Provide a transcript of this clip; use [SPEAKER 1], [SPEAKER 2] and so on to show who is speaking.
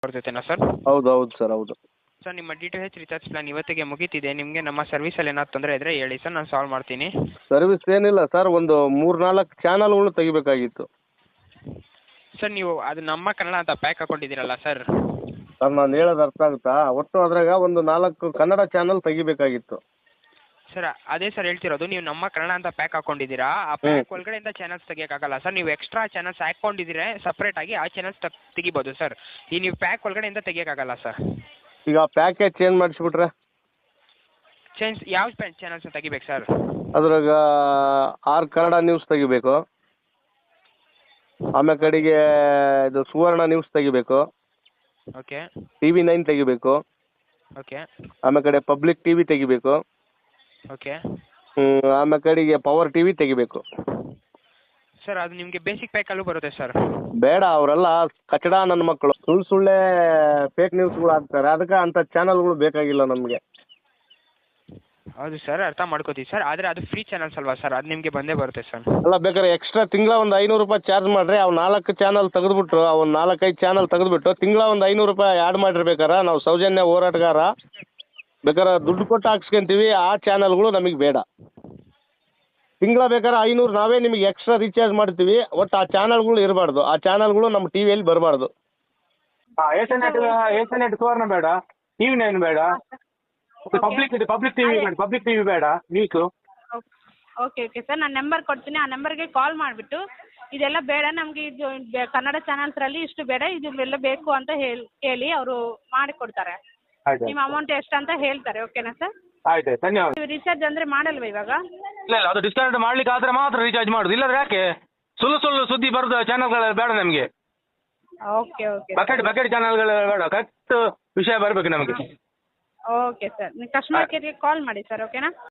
[SPEAKER 1] ಬರ್ತೈತೆನಾ sir?
[SPEAKER 2] ಹೌದು ಹೌದು sir, ಹೌದು.
[SPEAKER 1] ಸರ್ ನಿಮ್ಮ DTH ರಿಚಾರ್ಜ್ ಪ್ಲಾನ್ ಇವತ್ತಿಗೆ ಮುಗೀತಿದೆ. ನಿಮಗೆ ನಮ್ಮ ಸರ್ವಿಸಲ್ಲಿ ಏನಾದ್ರು ತೊಂದರೆ ಇದ್ದರೆ ಹೇಳಿ ಸರ್, ನಾನು ಸಾಲ್ವ್ ಮಾಡ್ತೀನಿ.
[SPEAKER 2] ಸರ್ವಿಸ್ ಏನಿಲ್ಲ ಸರ್, ಒಂದು 3-4 ಚಾನಲ್ಗಳು ತೆಗಿಬೇಕಾಗಿತ್ತು.
[SPEAKER 1] ಸರ್ ನೀವು ಅದು ನಮ್ಮ ಕನ್ನಡ ಅಂತ ಪ್ಯಾಕ್ ಹಾಕೊಂಡಿದ್ದೀರಲ್ಲ ಸರ್?
[SPEAKER 2] ಸರ್ ನಾನು ಹೇಳೋದು ಅರ್ಥ ಆಗುತ್ತಾ? ಒಟ್ಟು ಅದ್ರಾಗ ಒಂದು 4 ಕನ್ನಡ ಚಾನಲ್ ತೆಗಿಬೇಕಾಗಿತ್ತು.
[SPEAKER 1] ಸರ್ ಅದೇ ಸರ್ ಹೇಳ್ತಿರೋದು, ನೀವು ನಮ್ಮ ಕನ್ನಡ ಅಂತ ಪ್ಯಾಕ್ ಹಾಕೊಂಡಿದ್ದೀರಾ, ಆ ಪ್ಯಾಕ್ ಒಳಗಡೆಯಿಂದ ಚಾನಲ್ಸ್ ತೆಗಿಯೋಕ್ಕಾಗಲ್ಲ ಸರ್. ನೀವು ಎಕ್ಸ್ಟ್ರಾ ಚಾನಲ್ಸ್ ಹಾಕ್ಕೊಂಡಿದ್ದೀರಾ ಸಪ್ರೇಟಾಗಿ, ಆ ಚಾನಲ್ಸ್ ತೆಗಿಬೋದು ಸರ್. ಈ ನೀವು ಪ್ಯಾಕ್ ಒಳಗಡೆಯಿಂದ ತೆಗಿಯೋಕ್ಕಾಗಲ್ಲ ಸರ್.
[SPEAKER 2] ಈಗ ಪ್ಯಾಕೇಜ್ ಚೇಂಜ್ ಮಾಡಿಸ್ಬಿಟ್ರೆ
[SPEAKER 1] ಯಾವ ಚಾನಲ್ಸ್ ತೆಗಿಬೇಕು ಸರ್?
[SPEAKER 2] ಅದ್ರಾಗ 6 ಕನ್ನಡ ನ್ಯೂಸ್ ತೆಗಿಬೇಕು, ಆಮೇಲೆ ಕಡೆಗೆ ಇದು ಸುವರ್ಣ ನ್ಯೂಸ್ ತೆಗಿಬೇಕು,
[SPEAKER 1] ಓಕೆ
[SPEAKER 2] TV9 ತೆಗಿಬೇಕು,
[SPEAKER 1] ಓಕೆ
[SPEAKER 2] ಆಮೇಲೆ ಕಡೆ ಪಬ್ಲಿಕ್ TV ತೆಗಿಬೇಕು,
[SPEAKER 1] ಓಕೆ
[SPEAKER 2] ಆಮೇಲೆ ಕಡೆಗೆ ಪವರ್ TV ತೆಗಿಬೇಕು.
[SPEAKER 1] ಸರ್ ಅದು ನಿಮಗೆ ಬೇಸಿಕ್ ಪ್ಯಾಕಲ್ಲೂ ಬರುತ್ತೆ ಸರ್.
[SPEAKER 2] ಬೇಡ, ಅವರೆಲ್ಲ ಕಚಡ ನನ್ನ ಮಕ್ಕಳು, ಸುಳ್ಳೆ ಫೇಕ್ ನ್ಯೂಸ್ಗಳು ಹಾಕ್ತಾರೆ. ಅದಕ್ಕೆ ಅಂಥ ಚಾನಲ್ಗಳು ಬೇಕಾಗಿಲ್ಲ ನಮಗೆ.
[SPEAKER 1] ಹೌದು ಸರ್, ಅರ್ಥ ಮಾಡ್ಕೋತೀವಿ ಸರ್, ಆದರೆ ಅದು ಫ್ರೀ ಚಾನಲ್ಸ್ ಅಲ್ವಾ ಸರ್, ಅದು ನಿಮಗೆ ಬಂದೇ ಬರುತ್ತೆ ಸರ್.
[SPEAKER 2] ಅಲ್ಲ, ಬೇಕಾದ್ರೆ ಎಕ್ಸ್ಟ್ರಾ ತಿಂಗಳ ಒಂದು 500 ರೂಪಾಯಿ ಚಾರ್ಜ್ ಮಾಡಿರಿ. ಅವು 4 ಚಾನಲ್ ತೆಗೆದುಬಿಟ್ರು, ಅವ್ನು 4-5 ಚಾನಲ್ ತೆಗೆದುಬಿಟ್ಟು ತಿಂಗಳ ಒಂದು 500 ರೂಪಾಯಿ ಆ್ಯಡ್ ಮಾಡಿರ್ಬೇಕಾರೆ ನಾವು ಸೌಜನ್ಯ ಹೋರಾಟಗಾರ ಬೇಕಾದ್ರೆ ದುಡ್ಡು ಕೊಟ್ಟು ಹಾಕ್ಸ್ಕೊಂತೀವಿ. ಆ ಚಾನಲ್ಗಳು ನಮಗೆ ಬೇಡ. ತಿಂಗಳ ಬೇಕಾದ್ರೆ 500 ನಾವೇ ನಿಮಗೆ ಎಕ್ಸ್ಟ್ರಾ ರೀಚಾರ್ಜ್ ಮಾಡ್ತೀವಿ. ಒಟ್ಟು ಆ ಚಾನಲ್ಗಳು ಇರಬಾರ್ದು, ಆ ಚಾನಲ್ಗಳು ನಮ್ಮ ಟಿವಿಯಲ್ಲಿ ಬರಬಾರ್ದು.
[SPEAKER 3] ಏಷ್ಯಾನೆಟ್ ಸುವರ್ಣ ಬೇಡ, TV9 ಬೇಡ, ಪಬ್ಲಿಕ್ ಟಿವಿ ಬೇಡ, ನ್ಯೂಸು.
[SPEAKER 4] ಓಕೆ ಓಕೆ ಸರ್, ನಾನು ನಂಬರ್ ಕೊಡ್ತೀನಿ. ಆ ನಂಬರ್ಗೆ ಕಾಲ್ ಮಾಡಿಬಿಟ್ಟು ಇದೆಲ್ಲ ಬೇಡ ನಮಗೆ, ಇದು ಕನ್ನಡ ಚಾನಲ್ಸ್ರಲ್ಲಿ ಇಷ್ಟು ಬೇಡ, ಇದೆಲ್ಲ ಬೇಕು ಅಂತ ಹೇಳಿ ಅವರು ಮಾಡಿಕೊಡ್ತಾರೆ. ನಿಮ್ಮ ಅಮೌಂಟ್ ಎಷ್ಟು ಅಂತ ಹೇಳ್ತಾರೆ. ಓಕೆನಾ ಸರ್?
[SPEAKER 3] ಆಯ್ತು, ಧನ್ಯವಾದ.
[SPEAKER 4] ರಿಚಾರ್ಜ್ ಅಂದರೆ ಮಾಡಲ್ವಾ ಇವಾಗ?
[SPEAKER 3] ಇಲ್ಲ ಅದು ಡಿಸ್ಕನೆಕ್ಟ್ ಮಾಡ್ಲಿಕ್ಕೆ ಆದ್ರೆ ಮಾತ್ರ ರೀಚಾರ್ಜ್ ಮಾಡುದು, ಇಲ್ಲಾಂದ್ರೆ ಯಾಕೆ? ಸುಳ್ಳು ಸುದ್ದಿ ಬರೋದು ಚಾನಲ್ಗಳು ಬೇಡ ನಮಗೆ.
[SPEAKER 4] ಓಕೆ ಓಕೆ
[SPEAKER 3] ಬಕೆಟ್ ಚಾನಲ್ಗಳು ಬೇಡ, ಕರೆಕ್ಟ್ ವಿಷಯ ಬರಬೇಕು ನಮಗೆ.
[SPEAKER 4] ಓಕೆ ಸರ್, ನೀವು ಕಸ್ಟಮರ್ ಕೇರ್ಗೆ ಕಾಲ್ ಮಾಡಿ ಸರ್. ಓಕೆನಾ?